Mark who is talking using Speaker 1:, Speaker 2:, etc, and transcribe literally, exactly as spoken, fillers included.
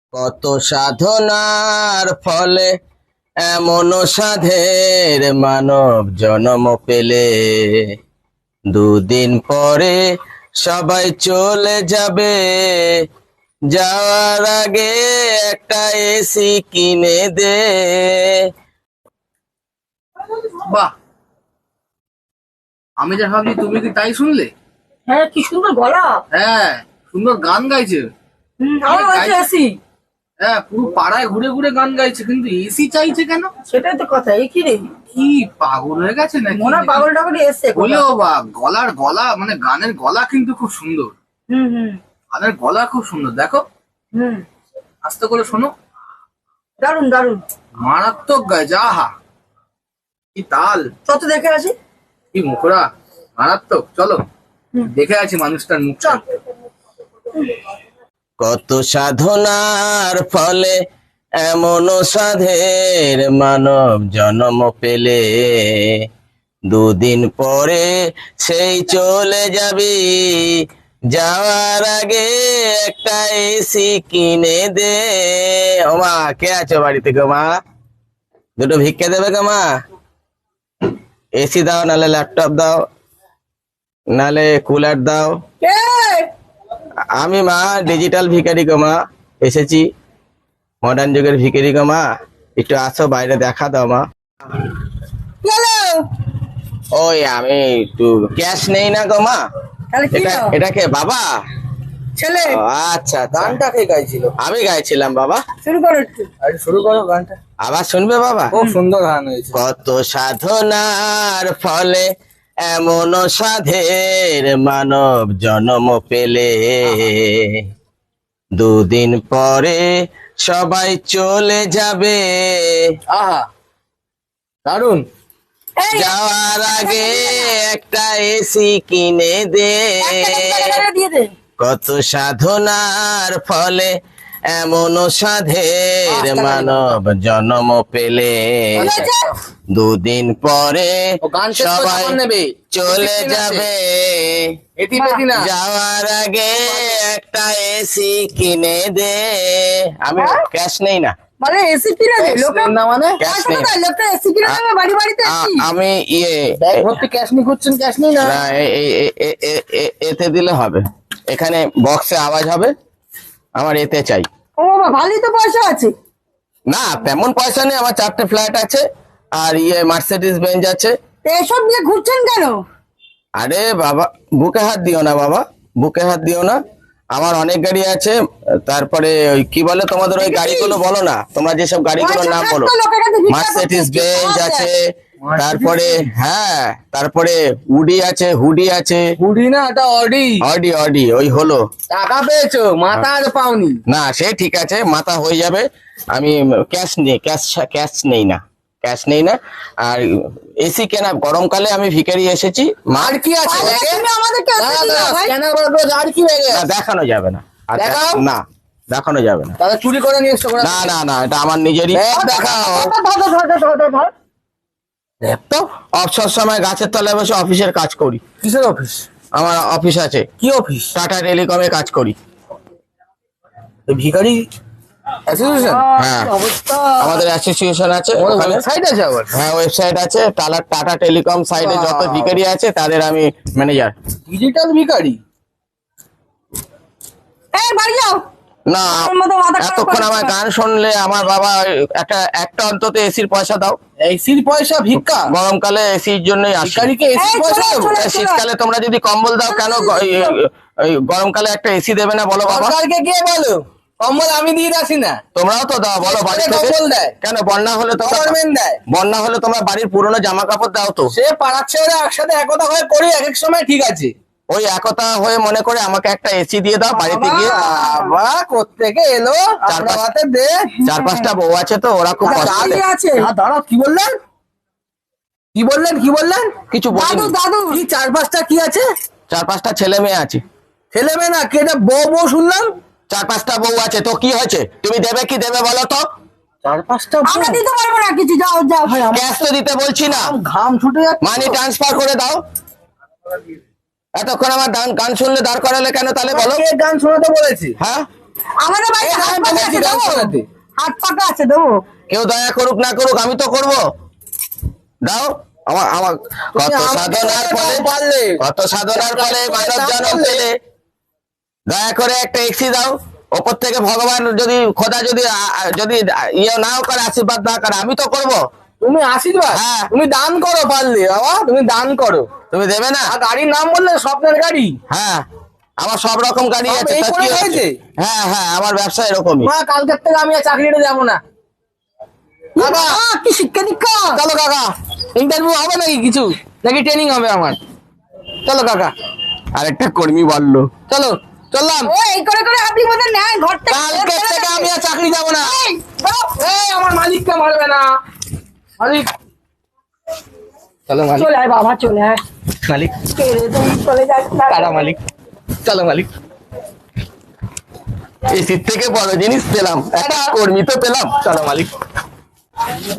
Speaker 1: কত সাধনার ফলে এমন সাধের মানব জন্ম পেলে, দুদিন পরে সবাই চলে যাবে, যাওয়ার আগে একটা এসি কিনে দে।
Speaker 2: বাহ, আমি যা ভাবছি তুমি কি তাই শুনলে?
Speaker 3: হ্যাঁ, কি সুন্দর গলা।
Speaker 2: হ্যাঁ, সুন্দর গান গাইছে।
Speaker 3: হুম, আমার বাড়িতে এসি।
Speaker 2: হ্যাঁ, পুরো পাড়ায় ঘুরে ঘুরে গান গাইছে, কিন্তু এসি চাইছে কেন?
Speaker 3: সেটাই তো কথা। এই কি রে,
Speaker 2: কি পাগল হয়ে গেছে নাকি?
Speaker 3: মনে হয় পাগল টাগল এসছে।
Speaker 2: বলেও বা গলার গলা মানে গানের গলা কিন্তু খুব সুন্দর।
Speaker 3: হুম হুম
Speaker 2: গানের গলা খুব সুন্দর, দেখো
Speaker 3: হুম,
Speaker 2: আস্তে করে শোনো।
Speaker 3: দারুন দারুন,
Speaker 2: মারাত্মক গায়, যাহা কি তাল,
Speaker 3: চত দেখে আসি।
Speaker 2: কি মুখরা, মারাত্মক। চলো
Speaker 3: হুম।
Speaker 2: দেখে আছি মানুষটার মুখ।
Speaker 3: চল।
Speaker 1: কত সাধনার ফলে এমন সাধের মানব জন্ম পেলে, দুদিন পরে সেই চলে যাবি, যাওয়ার আগে একটা এসি কিনে দে। ও মা, কে আছো বাড়িতে গো মা? দুটো ভিক্ষে দেবে গো মা? এসি দাও, নালে ল্যাপটপ দাও, নালে কুলার দাও।
Speaker 3: কে?
Speaker 1: আমি মা, ডিজিটাল ভিখারি গো মা, এসেছি মডার্ন যুগের ভিখারি গো মা, একটু আসো বাইরে দেখা দাও মা।
Speaker 3: হ্যালো।
Speaker 1: ওই আমি একটু ক্যাশ নেই না গো মা।
Speaker 3: তাহলে কি
Speaker 1: এটা
Speaker 3: দাও?
Speaker 1: এটা কে বাবা?
Speaker 3: ছেলে।
Speaker 1: ও, আচ্ছা আচ্ছা।
Speaker 2: গানটা কে গাইছিল?
Speaker 1: আমি গাইছিলাম বাবা।
Speaker 3: শুরু করো একটু।
Speaker 2: আরে শুরু করো গানটা,
Speaker 1: আবার শুনবে বাবা?
Speaker 2: খুব সুন্দর গান হয়েছে।
Speaker 1: কত সাধনার ফলে এমন সাধের মানব জন্ম পেলে, দুদিন পরে সবাই চলে যাবে,
Speaker 2: আহা, দারুন।
Speaker 3: এই,
Speaker 1: যাওয়ার আগে একটা এসি কিনে দে।
Speaker 3: একটা টাকা দিয়ে দে।
Speaker 1: কত সাধনার ফলে এমন সাধের মানব জন্ম পেলে, দুদিন পরে
Speaker 2: ও গান শেষ করে
Speaker 1: সবাই
Speaker 2: তখন নেবে,
Speaker 1: চলে
Speaker 2: এসি কিনে
Speaker 1: যাবে,
Speaker 2: এটি পেটি না।
Speaker 1: যাওয়ার আগে একটা এসি কিনে দে। আমি ক্যাশ নেই না,
Speaker 3: মানে এসি কিনে দে লোকে।
Speaker 2: না মানে
Speaker 1: ক্যাশ
Speaker 3: পয়সা
Speaker 1: নেই।
Speaker 3: কোথায়? লোকটা এসি কিনে দেবে বাড়ি বাড়িতে
Speaker 1: আ-
Speaker 3: এসি।
Speaker 1: আমি ইয়ে
Speaker 2: ব্যাগ ভর্তি ক্যাশ নিয়ে ঘুরছেন, ক্যাশ নিই না।
Speaker 1: না, এ- এ- এ- এ- এ- এ- এতে দিলে হবে, এখানে বক্সে আওয়াজ হবে, আমার এতে চাই।
Speaker 3: ও বাবা, ভালোই তো পয়সা আছে।
Speaker 1: না তেমন পয়সা নেই, আমার চারটে ফ্ল্যাট আছে, আর ইয়ে মার্সিডিজ বেঞ্চ আছে।
Speaker 3: তো এসব নিয়ে ঘুরছেন কেন?
Speaker 1: আরে বাবা, বুকে হাত দিও না বাবা, বুকে হাত দিও না। আমার অনেক গাড়ি আছে, তারপরে ওই কি বলে তোমাদের ওই গাড়িগুলো বলো না, তোমরা যেসব গাড়িগুলোর নাম বলো। মার্সিডিজ বেঞ্চ আছে, তারপরে হ্যাঁ, তারপরে উডি আছে, হুডি আছে।
Speaker 2: হুডি না, এটা অডি।
Speaker 1: অডি অডি ওই হলো।
Speaker 2: টাকা পেয়েছো, মাথা আর পাওনি।
Speaker 1: না সে ঠিক আছে, মাথা হয়ে যাবে। আমি ক্যাশ নেই, ক্যাশ ক্যাশ নেই না, ক্যাশ নেই না। আর এসি কেনা, গরমকালে আমি ভিখারি এসেছি।
Speaker 2: আর কি আছে?
Speaker 3: তাহলে তুমি আমাদেরকে এসি
Speaker 2: দাঁড়া,
Speaker 3: দিয়ে
Speaker 2: দাঁড়া,
Speaker 3: দাও ভাই।
Speaker 2: scanner করে দেবো, আর কি হয়ে
Speaker 1: না,
Speaker 2: গেছে?
Speaker 1: দেখানো যাবে না। আর দেখ-
Speaker 2: দেখাও।
Speaker 1: না দেখানো যাবে না।
Speaker 2: তাহলে চুরি করে নিয়ে এসছো।
Speaker 1: না না না, এটা আমার নিজেরই।
Speaker 2: ব্যাগ দেখাও।
Speaker 3: ধর, ধর, ধর, ধর, ধর, ধর, ধর।
Speaker 1: তো অবসর সময় গাছের তলায় বসে অফিসের কাজ করি।
Speaker 2: কিসের অফিস?
Speaker 1: আমার অফিস আছে,
Speaker 2: কি অফিস?
Speaker 1: টাটা টেলিকমে কাজ করি।
Speaker 2: ভিখারি অ্যাসোসিয়েশন?
Speaker 1: হ্যাঁ,
Speaker 3: কি অবস্থা।
Speaker 1: আমাদের অ্যাসোসিয়েশন আছে ওখানে।
Speaker 2: ওয়েবসাইট আছে আবার?
Speaker 1: হ্যাঁ, ওয়েবসাইট আছে, টাটা টাটা টেলিকম সাইটে যত
Speaker 2: Wow.
Speaker 1: ভিখারি আছে তাদের আমি ম্যানেজার।
Speaker 2: ডিজিটাল ভিখারি?
Speaker 3: এই বাড়ি যাও।
Speaker 1: না,
Speaker 3: আমার মতো মাথা খারাপ
Speaker 1: এতক্ষণ
Speaker 3: করে
Speaker 1: আমার
Speaker 3: দিচ্ছ।
Speaker 1: গান শুনলে আমার বাবা একটা একটা অন্তত এসির পয়সা দাও।
Speaker 2: এসির পয়সা ভিক্ষা?
Speaker 1: গরমকালে এসির জন্যই আসি।
Speaker 2: ভিখারিকে এসির
Speaker 3: এই,
Speaker 2: পয়সা
Speaker 3: চলে,
Speaker 2: দেবো?
Speaker 3: চলে।
Speaker 1: এই শীতকালে তোমরা যদি কম্বল দাও কেন গ- এই- এই- এই গরমকালে একটা এসি দেবে না বলো বাবা?
Speaker 2: সরকারকে কে বলো? কম্বল আমি দিয়ে আসি না?
Speaker 1: তোমরাও তো দাও, বলো বাড়ি থেকে।
Speaker 2: কম্বল দেয়?
Speaker 1: কেন বন্যা হলে তোমরা
Speaker 2: গভর্নমেন্ট দেয়।
Speaker 1: বন্যা হলে তোমরা বাড়ির পুরনো জামা কাপড় দাও তো।
Speaker 2: সে পাড়ার ছেলে একসাথে একতা হয়ে করি, এক এক সময় ঠিক আছে।
Speaker 1: ওই একতা হয়ে মনে করে আমাকে একটা এসি দিয়ে দাও বাড়িতে গিয়ে।
Speaker 2: বাবা কোত্থেকে এলো?
Speaker 1: চার
Speaker 2: আপনার
Speaker 1: পাঁচ-
Speaker 2: হাতে দে।
Speaker 1: চার পাঁচটা বউ আছে তো, ওরা খুব কষ্ট
Speaker 3: দাদি
Speaker 1: দেয়।
Speaker 3: আছে।
Speaker 2: আ, দাঁড়াও, কি বললেন? কি বললেন? কি বললেন?
Speaker 1: কিছু
Speaker 3: দাদু
Speaker 1: বলিনি।
Speaker 3: দাদু।
Speaker 2: কি চার পাঁচটা কি আছে?
Speaker 1: চার পাঁচটা ছেলে মেয়ে আছে।
Speaker 2: ছেলে মেয়ে না, কে এটা বউ বউ শুনলাম?
Speaker 1: চার পাঁচটা বউ আছে তো কি হয়েছে? তুমি দেবে কি দেবে বলো তো?
Speaker 2: চার পাঁচটা
Speaker 3: আমরা দিতে পারবো না কিছু, যাও যাও।
Speaker 1: ক্যাশ তো দিতে বলছি না,
Speaker 2: ঘাম ছুটে যাচ্ছে।
Speaker 1: মানি ট্রান্সফার করে দাও। এতক্ষণ আমার গান গান শুনলে দাঁড় করালে কেন তাহলে বলো?
Speaker 2: কে গান শোনাতে বলেছি?
Speaker 1: হ্যাঁ,
Speaker 3: আমাদের বাড়ি
Speaker 2: এই
Speaker 3: হাত
Speaker 2: আমি
Speaker 3: পাকা
Speaker 2: বলেছি
Speaker 3: আছে
Speaker 2: গান
Speaker 3: দেবো
Speaker 2: শোনাতে।
Speaker 3: হাত পাকা আছে দেবো
Speaker 1: কেউ দয়া করুক না করুক আমি তো করব দাও আমার আমার কত
Speaker 2: আমাকে
Speaker 1: সাধনার
Speaker 2: দাও,
Speaker 1: ফলে
Speaker 2: পারলে।
Speaker 1: কত সাধনার ফলে মানব
Speaker 2: দাও
Speaker 1: জন্ম
Speaker 2: পারলে।
Speaker 1: পেলে দয়া করে একটা এক্সি দাও ওপর থেকে ভগবান যদি খোদা যদি আ- আ- যদি ইয়ে নাও করে আশীর্বাদ না করে আমি তো করব
Speaker 2: তুমি আশীর্বাদ
Speaker 1: হ্যাঁ।
Speaker 2: তুমি দান করো পারলে বাবা তুমি দান করো
Speaker 1: তুমি দেবে না
Speaker 2: আর গাড়ির নাম বললে স্বপ্নের গাড়ি
Speaker 1: হ্যাঁ আমার সব রকম গাড়ি
Speaker 2: সব
Speaker 1: আছে
Speaker 2: এই
Speaker 1: তা
Speaker 2: করে
Speaker 1: কি হয়েছে?
Speaker 2: হয়েছে?
Speaker 1: হ্যাঁ হ্যাঁ আমার ব্যবসা এরকমই
Speaker 2: মা কালকের থেকে আমি আর চাকরিটা যাবো না কাকা
Speaker 3: আহ, কি শিক্ষা দীক্ষা
Speaker 2: চলো কাকা ইন্টারভিউ হবে নাকি কিছু নাকি ট্রেনিং হবে আমার চলো কাকা
Speaker 1: আরেকটা কর্মী বললো
Speaker 2: চলো চললাম
Speaker 3: ও এই করে করে আপনি মধ্যে নেয় ঘর থেকে
Speaker 2: কালকের থেকে আমি আর চাকরি যাবো না
Speaker 3: এই, দাও।
Speaker 2: এই আমার মালিককে মারবে না মালিক চলো মালিক
Speaker 3: চলে আয় বাবা চলে আয়
Speaker 2: মালিক
Speaker 3: কে রে তুমি চলে যাস না
Speaker 2: টাটা মালিক চলো মালিক
Speaker 1: এসির থেকে বড় জিনিস পেলাম একটা কর্মী তো পেলাম
Speaker 2: চলো মালিক